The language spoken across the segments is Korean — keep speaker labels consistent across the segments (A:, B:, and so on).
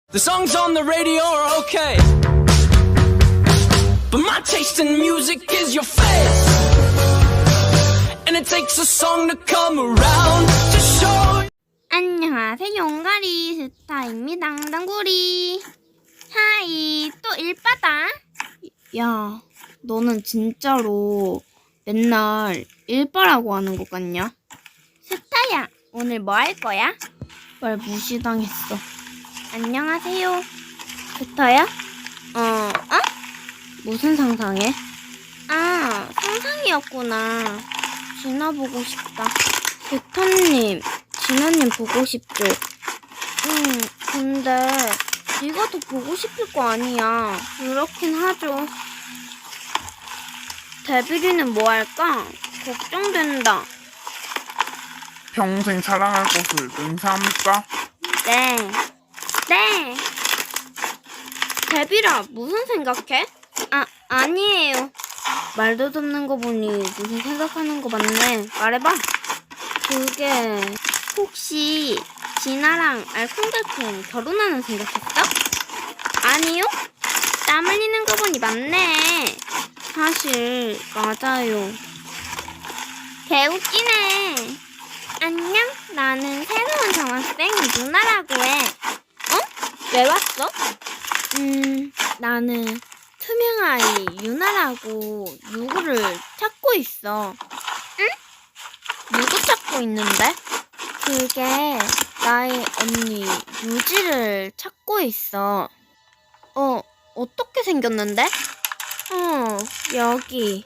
A: The songs on the radio are okay, but my taste in music is your face, and it takes a song to come around to show.
B: 안녕하세요, 용가리 스타입니다. 당구리. 하이, 또 일바다. 야, 너는 진짜로 맨날 일바라고 하는 것 같냐? 스타야, 오늘 뭐 할 거야? 말 무시당했어. 안녕하세요. 스타야? 무슨 상상해? 아, 상상이었구나. 진아 보고 싶다. 스타님, 진아님 보고 싶죠? 근데 네가 더 보고 싶을 거 아니야. 그렇긴 하죠. 데뷔리는 뭐 할까? 걱정된다.
C: 평생 사랑할 것을 맹세합니까?
B: 네. 데뷔라, 무슨 생각해? 아니에요. 말도 듣는 거 보니 무슨 생각하는 거 맞네. 말해봐. 그게 혹시 진아랑 알콩달콩 결혼하는 생각했어? 아니요. 땀 흘리는 거 보니 맞네. 사실 맞아요. 개웃기네. 안녕, 나는 새로운 전학생 누나라고 해. 왜 왔어? 나는 투명아이 유나라고 누구를 찾고 있어. 응? 누구 찾고 있는데? 그게 나의 언니 유지를 찾고 있어. 어떻게 생겼는데? 여기.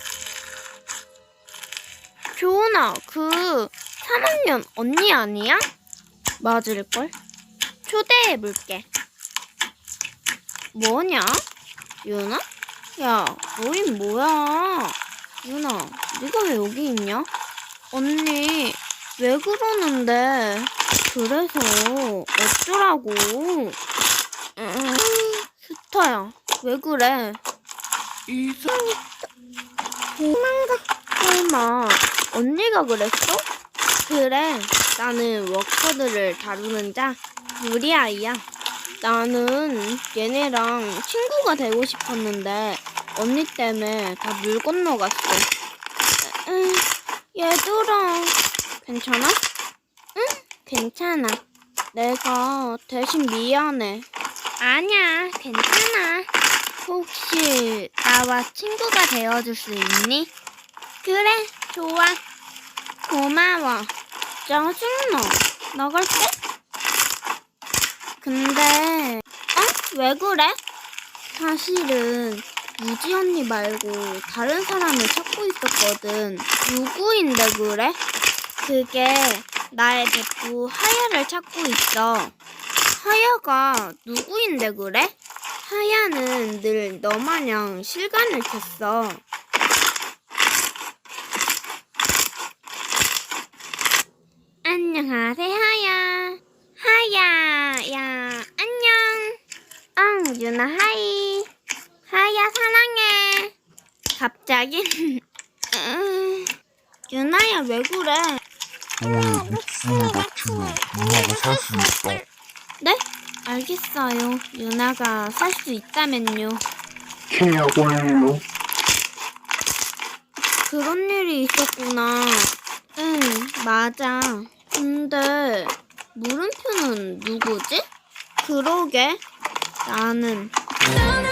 B: 조은아, 그 3학년 언니 아니야? 맞을걸? 초대해볼게. 뭐냐? 유나? 야, 너희 뭐야? 유나, 네가 왜 여기 있냐? 언니, 왜 그러는데? 그래서 어쩌라고? 스타야, 왜 그래? 도망가. 설마 언니가 그랬어? 그래, 나는 워커들을 다루는 자 유리아이야. 나는 얘네랑 친구가 되고 싶었는데 언니 때문에 다 물 건너갔어. 얘들아, 괜찮아? 응, 괜찮아. 내가 대신 미안해. 아니야, 괜찮아. 혹시 나와 친구가 되어줄 수 있니? 그래, 좋아. 고마워. 짜증나. 나갈게. 근데 왜 그래? 사실은 유지 언니 말고 다른 사람을 찾고 있었거든. 누구인데 그래? 그게 나의 베프 하야를 찾고 있어. 하야가 누구인데 그래? 하야는 늘 너마냥 실감을 켰어. 안녕하세요, 하야. 야, 안녕. 유나 하이. 하야, 사랑해. 갑자기? 유나야, 왜 그래?
C: 너의 목숨을 바치면 누나가 살 수 있다.
B: 네? 알겠어요. 유나가 살 수 있다면요.
C: 契約 완료.
B: 그런 일이 있었구나. 응, 맞아. 근데 물음표는 누구지? 그러게. 나는